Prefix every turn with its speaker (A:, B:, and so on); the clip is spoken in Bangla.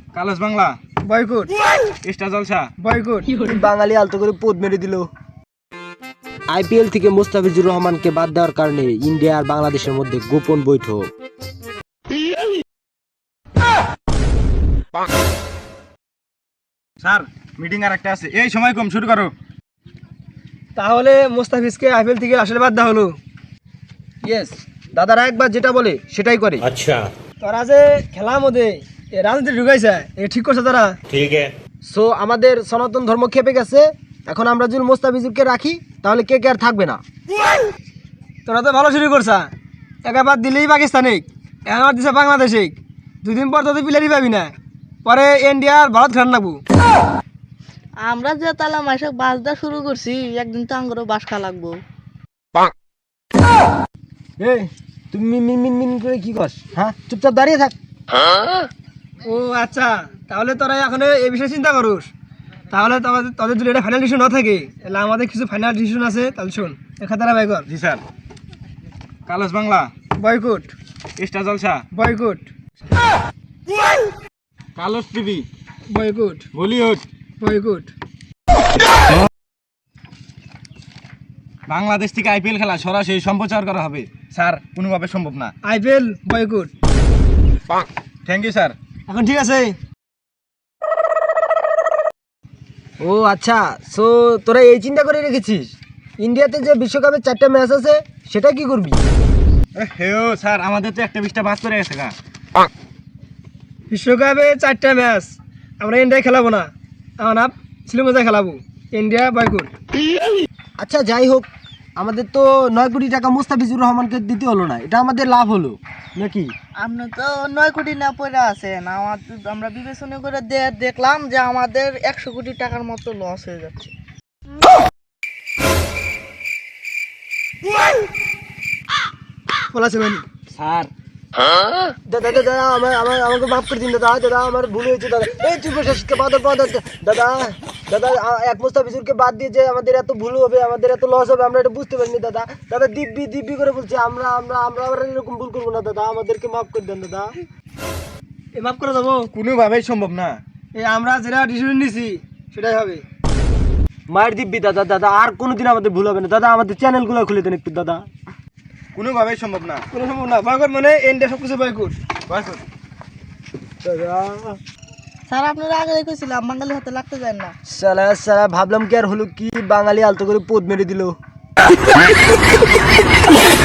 A: কালস Bangla
B: boycott,
A: Star Jalsha
B: boycott.
C: বাঙালি আলতো করে পদ মেরে দিল। আইপিএল থেকে মোস্তাফিজুর রহমানকে বাদ দেওয়ার কারণে ইন্ডিয়া আর বাংলাদেশের মধ্যে গোপন বৈঠক।
A: স্যার মিটিং আর একটা আছে, এই সময় কম, শুরু করো।
B: তাহলে মোস্তাফিজকে আইপিএল থেকে আসলে বাদ দেওয়া হলো।
C: ইয়েস, দাদারা একবার যেটা বলে সেটাই করে।
D: अच्छा
B: তোরা যে খেলার মধ্যে রাজনীতি ঢুকাইছে, এ ঠিক করছে তারা।
D: ठीक है।
C: সো আমাদের সনাতন ধর্ম খেপে গেছে। এখন আমরা যদি মোস্তাফিজুরকে রাখি তাহলে কে কে আর থাকবে না।
B: তোরা তো ভালো শুরু করছা, একবার দিলেই পাকিস্তানে, একবার দিছে বাংলাদেশে, দুদিন পর তোদের প্লেয়ারই পাবি না, পরে ইন্ডিয়া আর ভারত খেলার লাগবো।
E: আমরা যে তালা মাইশাক বাস দেওয়া শুরু করছি, একদিন তো আঙ্গুরও বাস খা লাগবো।
C: এই তুমি মিন মিন মিন করে কি করছ? হ্যাঁ, চুপচাপ দাঁড়িয়ে থাক।
B: ও আচ্ছা, তাহলে তোরা এখন এই বিষয়ে চিন্তা করুস। তাহলে তোদের যদি এটা ফাইনাল ডিসিশন না থাকে, তাহলে আমাদের কিছু ফাইনাল ডিসিশন আছে, তাহলে শোন একা তারা বাই কর।
A: জি sir. Colors Bangla
B: boycott,
A: Star Jalsha
B: boycott,
A: Colors TV
B: boycott,
A: Bollywood
B: boycott.
A: Bangladesh থেকে আইপিএল খেলা সরাসরি সম্প্রচার করা হবে স্যার, কোনোভাবে সম্ভব না।
B: IPL boycott.
A: Thank you sir.
B: এখন ঠিক আছে।
C: ও আচ্ছা, সো তোরা এই চিন্তা করে রেখেছিস ইন্ডিয়াতে যে বিশ্বকাপের 4টা ম্যাচ আছে সেটা কি করবি?
A: হেও স্যার, আমাদের তো একটা 20টা বাদ করে গেছে গা।
B: বিশ্বকাপে 4টা ম্যাচ আমরা ইন্ডিয়া খেলাবো না, আমরা শ্রীলঙ্কা খেলাবো। India boycott.
C: আচ্ছা যাই হোক, আমাদের তো 9 কোটি টাকা মোস্তাফিজুর রহমানকে দিতে হলো না, এটা আমাদের লাভ হলো নাকি?
E: আপনি তো 9 কোটি না পড়ে আছেন, আমরা বিবেচনা করে দেখলাম যে আমাদের 100 কোটি টাকার মতো লস হয়ে যাচ্ছে।
B: বলাছে মানে
A: স্যার
C: দাদা দাদা আমাকে মাফ করে দিন দাদা, দাদা আমার ভুল হয়েছে দাদা। এই চুপ শেষকে বাদ দাদা, দাদা এক মোস্তাফিজুরকে বাদ দিয়ে যে আমাদের এত ভুল হবে, আমাদের এত লস হবে, আমরা এটা বুঝতে পারিনি দাদা। দাদা দিব্যি দিব্যি করে বলছি, আমরা আমরা আমরা আবার এরকম ভুল করবো না দাদা, আমাদেরকে মাফ করে দেন দাদা।
B: এ মাফ করে দেবো।
A: কোনোভাবেই সম্ভব না।
B: এই আমরা যেটা ডিসিশন নিছি সেটাই হবে।
C: মায়ের দিব্যি দাদা, দাদা আর কোনোদিন আমাদের ভুল হবে না দাদা, আমাদের চ্যানেলগুলো খুলে দেন একটু দাদা।
A: কোনোভাবেই সম্ভব না।
B: কোনো সম্ভব না। বয়কট মানে ইন্ডিয়া সব কিছু বয়কট।
A: বয়কট।
C: দাদা
E: স্যার আপনারা আগে দেখেছিলাম বাঙালি হাতে লাগতে যায় না।
C: সালা সালা ভাবলাম কি আর হলো কি, বাঙালি আলতো করে পোদ মেরে দিল।